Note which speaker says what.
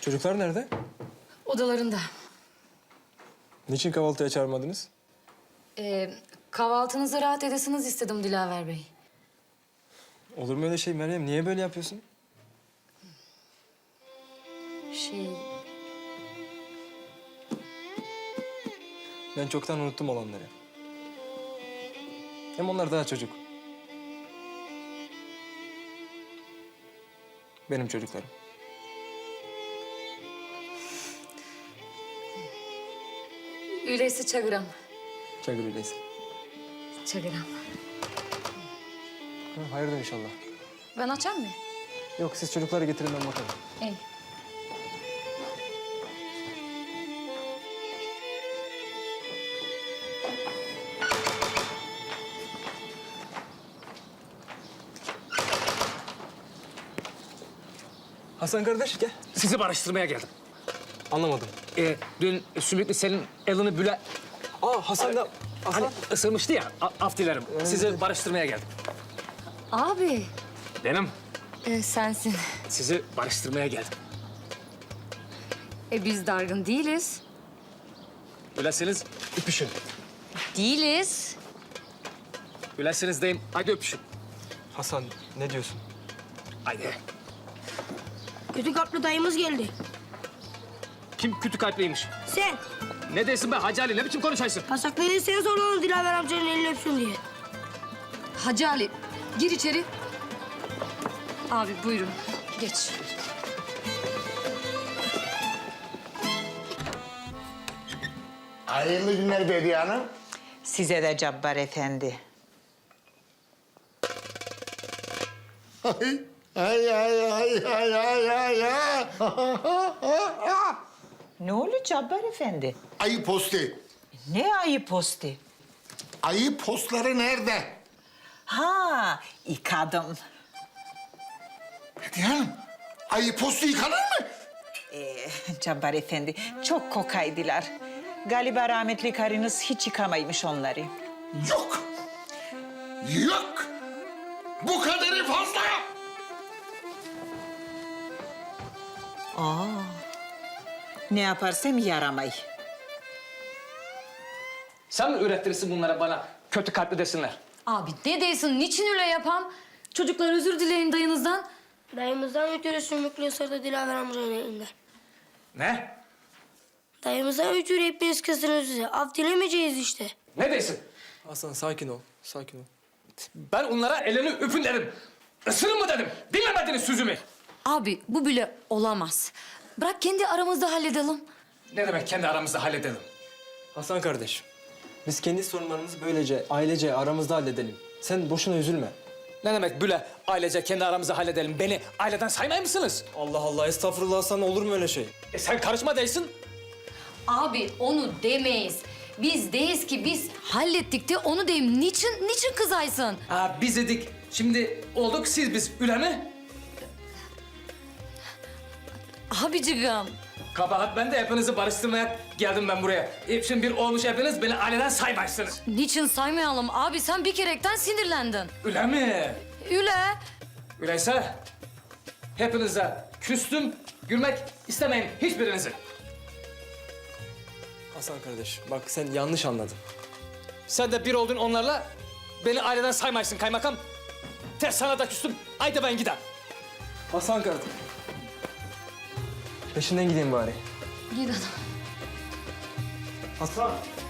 Speaker 1: Çocuklar nerede?
Speaker 2: Odalarında.
Speaker 1: Niçin kahvaltıya çağırmadınız?
Speaker 2: Kahvaltınızı rahat edesiniz istedim Dilaver Bey.
Speaker 1: Olur mu öyle şey Meryem? Niye böyle yapıyorsun? Ben çoktan unuttum olanları. Hem onlar daha çocuk. Benim çocuklarım.
Speaker 2: Öyleyse çağıram.
Speaker 1: Çakır öyleyse.
Speaker 2: Çağıram.
Speaker 1: Hayırdır inşallah.
Speaker 2: Ben açayım mı?
Speaker 1: Yok siz çocukları getirin ben bakarım.
Speaker 2: İyi.
Speaker 1: Hasan kardeş gel.
Speaker 3: Sizi barıştırmaya geldim.
Speaker 1: Anlamadım.
Speaker 3: Dün Sümüklü senin elini büle...
Speaker 1: Hasan da... Hasan.
Speaker 3: Hani ısırmıştı ya, af dilerim. Sizi barıştırmaya geldim.
Speaker 2: Abi.
Speaker 3: Benim
Speaker 2: Sensin.
Speaker 3: sizi barıştırmaya geldim.
Speaker 2: Biz dargın değiliz.
Speaker 3: Ülesiniz öpüşün.
Speaker 2: Değiliz.
Speaker 3: Ülesiniz deyim, haydi öpüşün.
Speaker 1: Hasan ne diyorsun?
Speaker 3: Haydi.
Speaker 4: Kötü kalpli dayımız geldi.
Speaker 3: Kim kötü kalpliymiş?
Speaker 4: Sen.
Speaker 3: Ne desin be Hacı Ali, ne biçim konuşaysın?
Speaker 4: Pasakları sen sor onu Dilaver amcanın elini öpsün diye.
Speaker 2: Hacı Ali, gir içeri. Abi buyurun, geç.
Speaker 5: Hayırlı günler Bediye Hanım.
Speaker 6: Size de Cabbar Efendi.
Speaker 5: Ay, ay, ay, ay, ay, ay, ay, ay.
Speaker 6: Ne oluyor Cabbar Efendi?
Speaker 5: Ayı posti.
Speaker 6: Ne ayı posti?
Speaker 5: Ayı postları nerede?
Speaker 6: Ha, yıkadım.
Speaker 5: Bediye Hanım, ayı postu yıkanır mı?
Speaker 6: Cabbar Efendi, çok kokaydılar. Galiba rahmetli karınız hiç yıkamaymış onları.
Speaker 5: Yok. Yok. Bu kadarı fazla.
Speaker 6: Ne yaparsam yaramay.
Speaker 3: Sen mi ürettirirsin bunlara bana kötü kalpli desinler?
Speaker 2: Abi ne değilsin, niçin öyle yapam? Çocuklar özür dileyin dayınızdan.
Speaker 4: Dayımızdan ötürü sümüklü ısırdı Dilaver amcanın elinden.
Speaker 3: Ne?
Speaker 4: Dayımızdan ötürü hepiniz kızdınız bize. Af dilemeyeceğiz işte.
Speaker 3: Ne desin?
Speaker 1: Hasan sakin ol. Sakin ol.
Speaker 3: Ben onlara elini öpün dedim. Isırın mı dedim. Dinlemediniz sözümü.
Speaker 2: Abi bu bile olamaz. Bırak kendi aramızda halledelim.
Speaker 3: Ne demek kendi aramızda halledelim?
Speaker 1: Hasan kardeş. Biz kendi sorunlarımızı böylece ailece aramızda halledelim. Sen boşuna üzülme.
Speaker 3: Ne demek böyle ailece kendi aramızda halledelim? Beni aileden saymay mısınız?
Speaker 1: Allah Allah estağfurullah Hasan olur mu öyle şey?
Speaker 3: Sen karışma değilsin.
Speaker 2: Abi onu demeyiz. Biz deyiz ki biz hallettik de onu deyim. Niçin kızaysın?
Speaker 3: Ha, biz dedik. Şimdi olduk biz üle mi?
Speaker 2: Abicigim.
Speaker 3: Kabahat ben de hepinizi barıştırmaya geldim ben buraya. Şimdi bir olmuş hepiniz beni aileden saymaysınız.
Speaker 2: Niçin saymayalım? Abi sen bir kerekten sinirlendin.
Speaker 3: Üle mi?
Speaker 2: Üle.
Speaker 3: Öyleyse hepinize küstüm, gülmek istemeyin hiçbirinizi.
Speaker 1: Hasan kardeş bak sen yanlış anladın.
Speaker 3: Sen de bir oldun onlarla, beni aileden saymaysın kaymakam. Ters sana da küstüm, haydi ben gidem.
Speaker 1: Hasan kardeş. Peşinden gideyim bari.
Speaker 2: Gidin.
Speaker 1: Hasan.